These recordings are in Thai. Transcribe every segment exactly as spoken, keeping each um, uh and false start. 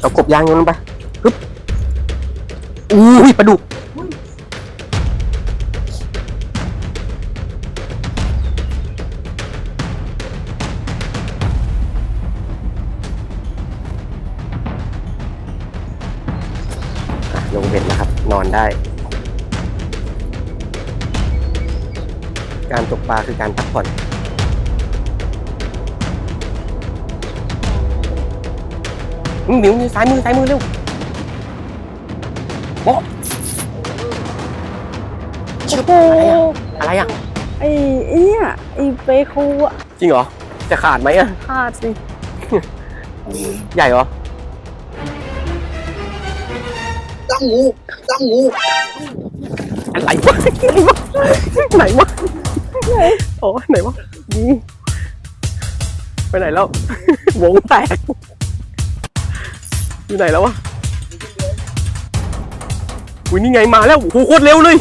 เอากบยางโยนลงไปปึ๊บอู้ยปลาดุกลงเบ็ดแล้วครับนอนได้การตกปลาคือการพักผ่อนหมิวซ้ายมือซ้ายมือเร็วโบ๊ะโอ้อะไรอ่ะอะไรอ่ะไอ้เนี่ยไอ้เปคูอ่ะจริงเหรอจะขาดไหมอ่ะขาดสิใหญ่เหรอตั้งงูตั้งงูอะไรวะไหนวะไหนโอ้ไหนวะไปไหนแล้ววงแตกอยู่ไหนแล้ววะอุ้ยนี่ไงมาแล้วโอ้โหโคตรเร็วเลย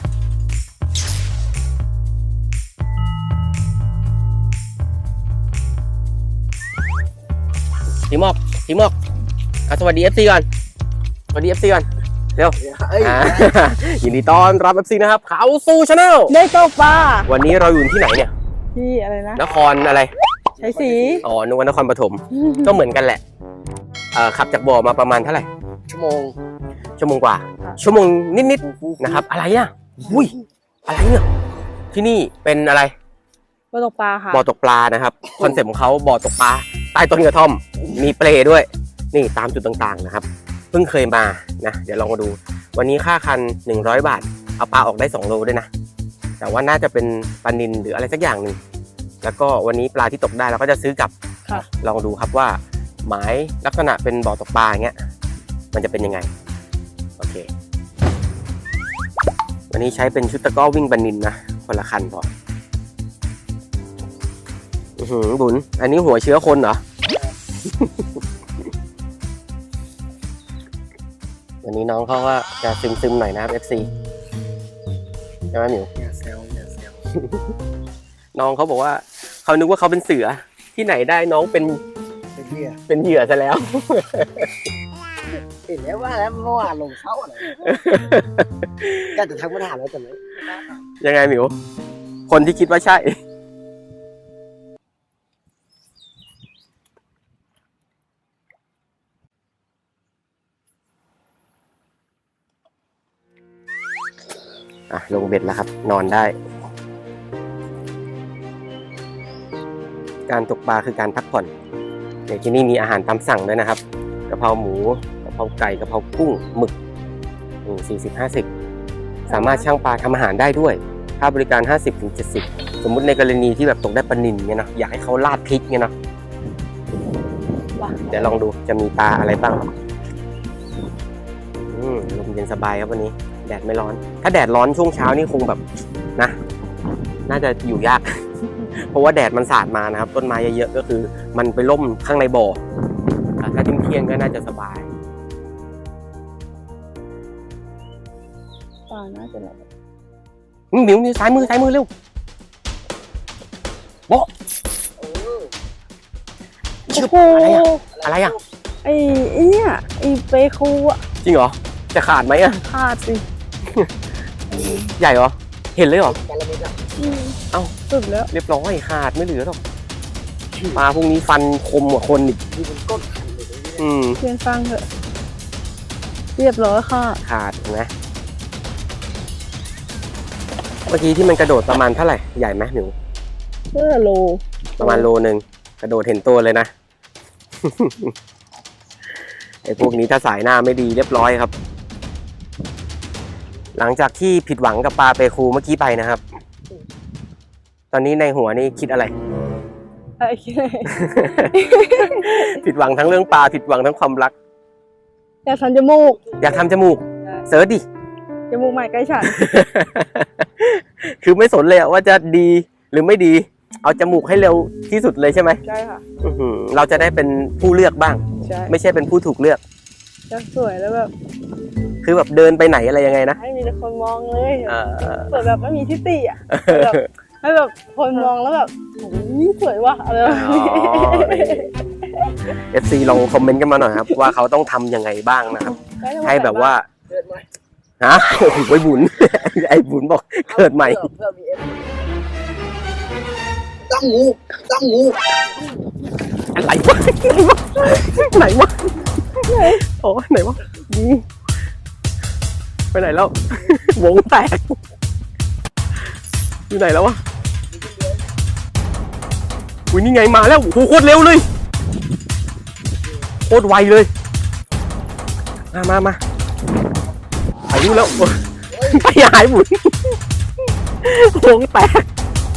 ทีมอกทีมอกสวัสดี เอฟ ซี ก่อนสวัสดี เอฟ ซี ก่อนเร็วยินดีต้อนรับ เอฟ ซี นะครับเขาสู่ชาแนลได้ตกปลาวันนี้เราอยู่ที่ไหนเนี่ยที่อะไรนะนครอะไรใช้สีอ๋อนึกว่านครปฐมก็เหมือนกันแหละเอ่อขับจากบ่อมาประมาณเท่าไหร่ชั่วโมงชั่วโมงกว่าชั่วโมงนิดๆนะครับอะไรอ่ะอุ้ยอะไรเนี่ยที่นี่เป็นอะไรบ่อตกปลาค่ะบ่อตกปลานะครับคอนเซ็ปต์ของเขาบ่อตกปลาใต้ต้นกระท่อมมีเปลด้วยนี่ตามจุดต่างๆนะครับเพิ่งเคยมานะเดี๋ยวลองมาดูวันนี้ค่าคันหนึ่งร้อยบาทเอาปลาออกได้สองโลด้วยนะแต่ว่าน่าจะเป็นปลานิลหรืออะไรสักอย่างหนึ่งแล้วก็วันนี้ปลาที่ตกได้เราก็จะซื้อกลับลองดูครับว่าหมายลักษณะเป็นบ่อตกปลาอย่างเงี้ยมันจะเป็นยังไงโอเควันนี้ใช้เป็นชุดตะก้อวิ่งปลานิลนะคนละคันพออือหือบุญอันนี้หัวเชื้อคนเหรอ วันนี้น้องเขาว่าจะซึมๆหน่อยนะครับ เอฟ ซี ใช่ไหมหมิวอย่าแซวอย่าแซวน้องเขาบอกว่าเขานึกว่าเขาเป็นเสือที่ไหนได้น้องเป็นเป็นเหยื่อเป็นเหยื่อซะแล้วเห็นแล้วว่าแล้วเมื่อวานลงเขาอะไรก็จะทักมาถามแล้วแต่ไม่ยังไงหมิวคนที่คิดว่าใช่อ่ะลงเบ็ดแล้วครับนอนได้การตกปลาคือการพักผ่อนในที่นี่มีอาหารตามสั่งด้วยนะครับกะเพราหมูกะเพราไก่กะเพรากุ้งหมึกสี่สิบห้าสิบสามารถช่างปลาทำอาหารได้ด้วยค่าบริการ ห้าสิบถึงเจ็ดสิบ สมมุติในกรณีที่แบบตกได้ปลานิลเนี่ยนะอยากให้เขาราดพริกเนี่ยนะเดี๋ยวลองดูจะมีปลาอะไรบ้างอืมลมเย็นสบายครับวันนี้แดดไม่ร้อนถ้าแดดร้อนช่วงเช้านี่คงแบบนะน่าจะอยู่ยาก เพราะว่าแดดมันสาดมานะครับต้นไม้เยอะๆก็คือมันไปล่มข้างในบ่อถ้าทิ้งเที่ยงก็น่าจะสบายปลาน่าจะอะไรหมิวนี่ซ้ายมือซ้ายมือเร็วโบ๊ะอะไรอ่ะอะไรอ่ะไอ้เนี่ยไอ้เปคูอ่ะจริงเหรอจะขาดไหมอ่ะขาดสิใหญ่เหรอเห็นเลยเหรอเอ้าสุดแล้วเรียบร้อยขาดไม่เหลือหรอกปลาพวกนี้ฟันคมกว่าคนอีกอืมเพียงฟังเถอะเรียบร้อยค่ะขาดนะเมื่อกี้ที่มันกระโดดประมาณเท่าไหร่ใหญ่ไหมหนูเพื่อโลประมาณโลนึงกระโดดเห็นตัวเลยนะ ไอ้พวกนี้ถ้าสายหน้าไม่ดีเรียบร้อยครับหลังจากที่ผิดหวังกับปลาเปคูเมื่อกี้ไปนะครับตอนนี้ในหัวนี่คิดอะไรอะไรคิดอะไรผิดหวังทั้งเรื่องปลาผิดหวังทั้งความรักอยากทำจมูกอยากทำจมูกเสิร์ชดิจมูกใหม่ใกล้ฉันคือไม่สนเลยว่าจะดีหรือไม่ดีเอาจมูกให้เร็วที่สุดเลยใช่ไหมใช่ค่ะเราจะได้เป็นผู้เลือกบ้างไม่ใช่เป็นผู้ถูกเลือกจะสวยแล้วแบบคือแบบเดินไปไหนอะไรยังไงนะให้มีแต่คนมองเลยสวยแบบไม่มีทิฏฐิอ่ะแบบให้แบบคนมองแล้วแบบโอ้ยสวยว่ะอะไรแบบนี้เอฟซีลองคอมเมนต์กันมาหน่อยครับว่าเขาต้องทำยังไงบ้างนะครับให้แบบว่าเกิดใหม่ฮะโอ้โหไอ้บุญ ไอ้บุญบอกเกิดใหม่เพื่อเพื่อมีเอฟตั้งงูตั้งงูอะไรวะไหนวะไหนโอ้ไหนวะนี่ไปไหนแล้ว วงแตกอยู่ไหนแล้ววะอุ้ยนี่ไงมาแล้วโอ้โหโคตรเร็วเลยโคตรไวเลยมามามาอายุแล้วไปหายบุญวงแตก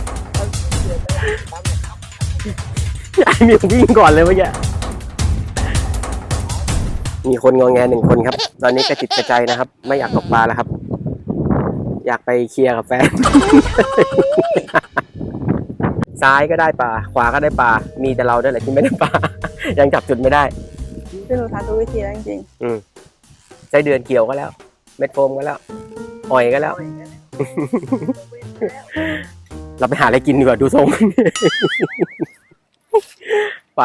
ไอ้มิววิ่งก่อนเลยเมื่อกี้มีคนงอแงหนึ่งคนครับตอนนี้กระจิตกระใจนะครับไม่อยากตกปลาแล้วครับอยากไปเคลียร์กับแฟน ซ้ายก็ได้ปลาขวาก็ได้ปลามีแต่เราด้วยแหละที่ไม่ได้ปลา ยังจับจุดไม่ได้คือหนูทำทุกวิธีแล้วจริงอืมไส้เดือนเกี่ยวก็แล้ว เม็ดโฟมก็แล้วอ่อยก็แล้ว เราไปหาอะไรกินดีกว่าดูทรง ไป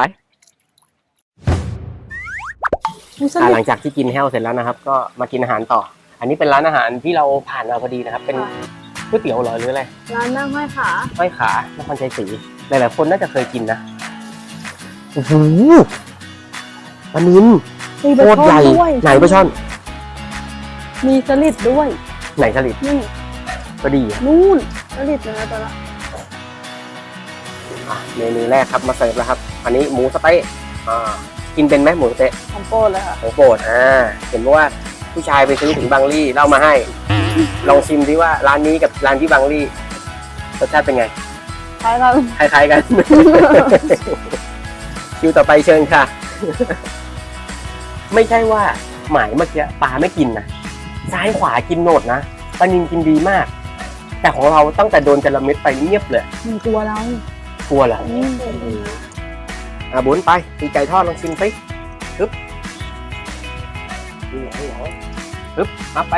ๆมูสอ่าลิหลัดงจากที่กินแห้วเสร็จแล้วนะครับ ก็มากินอาหารต่อ อันนี้เป็นร้านอาหารที่เราผ่านมาพอดีนะครับ เป็นก๋วยเตี๋ยวเหรอหรืออะไรร้านนั่งห้อยขาห้อยขานครชัยศรีหลายๆคนน่าจะเคยกินนะโอ้โหปลานิลมีโคปลาตรใหญ่ช่อนด้วยไหนปลาช่อนมีสลิดด้วยไหนสลิดนี่ก็ดีอ่ะนู่นสลิดนะตัวละอ่ะเมนูแรกครับมาเสิร์ฟแล้วครับ อันนี้หมูสะเต๊ะอ่ากินเป็นไหมหมูสะเต๊ะของโปรดเลยค่ะของโปรดอ่าเห็นว่าผู้ชายไปซื้อถึงบางลี่เล่ามาให้ ลองชิมดิว่าร้านนี้กับร้านที่บางลี่รสชาติเป็นไงใช่ค่ะคล้ายๆกัน คิวต่อไปเชิญค่ะ ไม่ใช่ว่าหมายเมื่อกี้ปลาไม่กินนะซ้ายขวากินโหนดนะปลานินกินดีมาก แต่ของเราตั้งแต่โดนจระเม็ดไปเงียบเลยหนึ่งตัวเรากลัวเหรออืมอ่ะบุญไปตีไก่ทอดลองชิมสิฮึบฮึบมาไป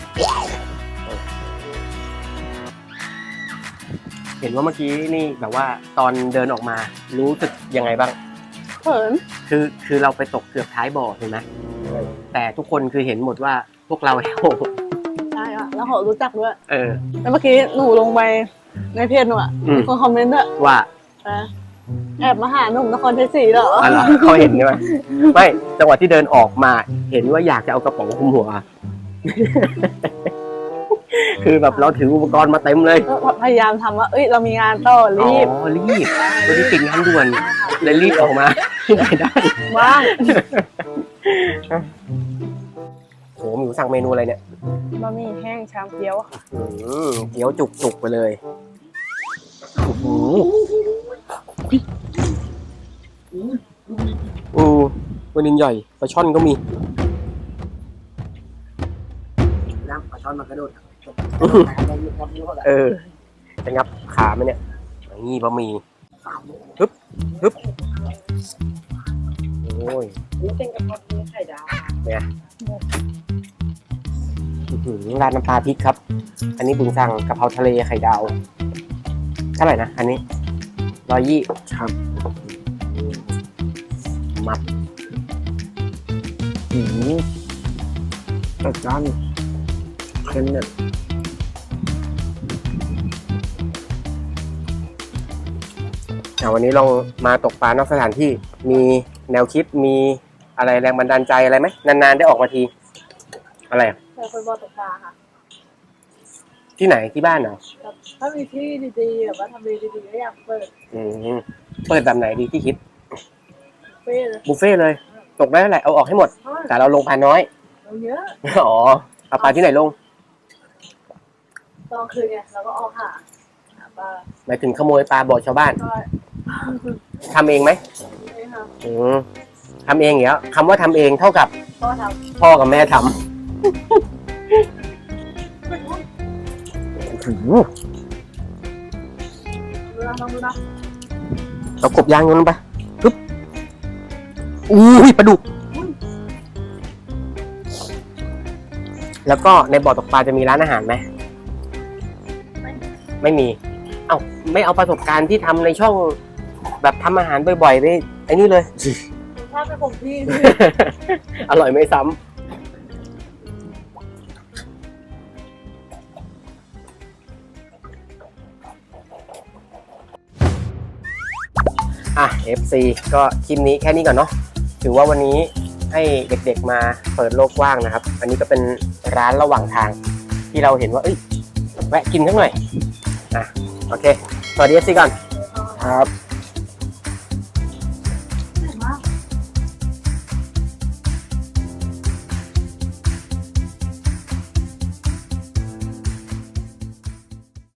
เห็นว่าเมื่อกี้นี่แบบว่าตอนเดินออกมารู้สึกยังไงบ้างเขินคือคือเราไปตกเกือบท้ายบ่อใช่ไหมแต่ทุกคนคือเห็นหมดว่าพวกเราใช่ค่ะแล้วเขารู้จักด้วยเออแล้วเมื่อกี้หนูลงไปในเพจหนูอ่ะอืมมีคนคอมเมนต์ด้วยว่านะแอบมาหาหนุ่มนครชัยศรีเหรออะไรเขาเห็นใช่ไหมไม่จังหวะที่เดินออกมาเห็นว่าอยากจะเอากระป๋องคลุมหัว คือแบบเราถืออุปกรณ์มาเต็มเลยก็พยายามทำว่า เอ้ย เรามีงานต่อรีบอ๋อรีบวันนี้ติดงานด่วนเลยรีบออกมาที่ไหนได้ว่างโหหมิวสั่งเมนูอะไรเนี่ยบะหมี่แห้งชามเกี๊ยวค่ะอืมเกี๊ยวจุกจุกๆไปเลยโอ้โหอือวันนินใหญ่ปลาช่อนก็มีน้ำปลาช่อนมันกระโดดเออจะงับขาไหมเนี่ยนี่บะหมี่ฮึบฮึบโอ้ยนี่เป็นกระเพาะไข่ดาวเนี่ยอื้อหือราดน้ำปลาพริกครับ อันนี้บุญสั่งกะเพราทะเลไข่ดาวเท่าไหร่นะอันนี้ร้อยยี่ครับมัดหืมจัดจ้านเค็มเนี่ยอ่ะวันนี้ลองมาตกปลานอกสถานที่มีแนวคิดมีอะไรแรงบันดาลใจอะไรไหมนานๆได้ออกมาที อะไรอ่ะเคยคนบอกตกปลาค่ะที่ไหนที่บ้านเหรอถ้ามีที่ดีๆแบบว่าทำเลดีๆก็อยากเปิดอืมเปิดแบบไหนดีที่คิดเฟ่เลยบุฟเฟ่ต์เลย ตกได้เท่าไหร่เอาออกให้หมดเพราะว่าแต่เราลงปลาน้อยเราเยอะอ๋อเอาปลาที่ไหนลงตอนคืนเนี่ยเราก็ออกหาหาปลาหมายถึงขโมยปลาบ่อชาวบ้านก็ทำเองไหมไม่ค่ะอืมทำเองเหรอคำว่าทำเองเท่ากับก็ทพ่อกับแม่ทำำโอ้โหดูนะลองดูนะเรากบยางลงไปปึ๊บอุ้ยปลาดุก แล้วก็ในบ่อตกปลาจะมีร้านอาหารไหม ไม่มี เอ้าไม่เอาประสบการณ์ที่ทำในช่องแบบทำอาหารบ่อยๆไปไอ้นี่เลยถ้าเป็นผมพี่อร่อยไม่ซ้ำอ่ะ เอฟ ซี ก็คลิปนี้แค่นี้ก่อนเนาะถือว่าวันนี้ให้เด็กๆมาเปิดโลกกว้างนะครับ อันนี้ก็เป็นร้านระหว่างทางที่เราเห็นว่าเอ้ยแวะกินสักหน่อยอ่ะโอเคสวัสดี เอฟ ซี ก่อนครับ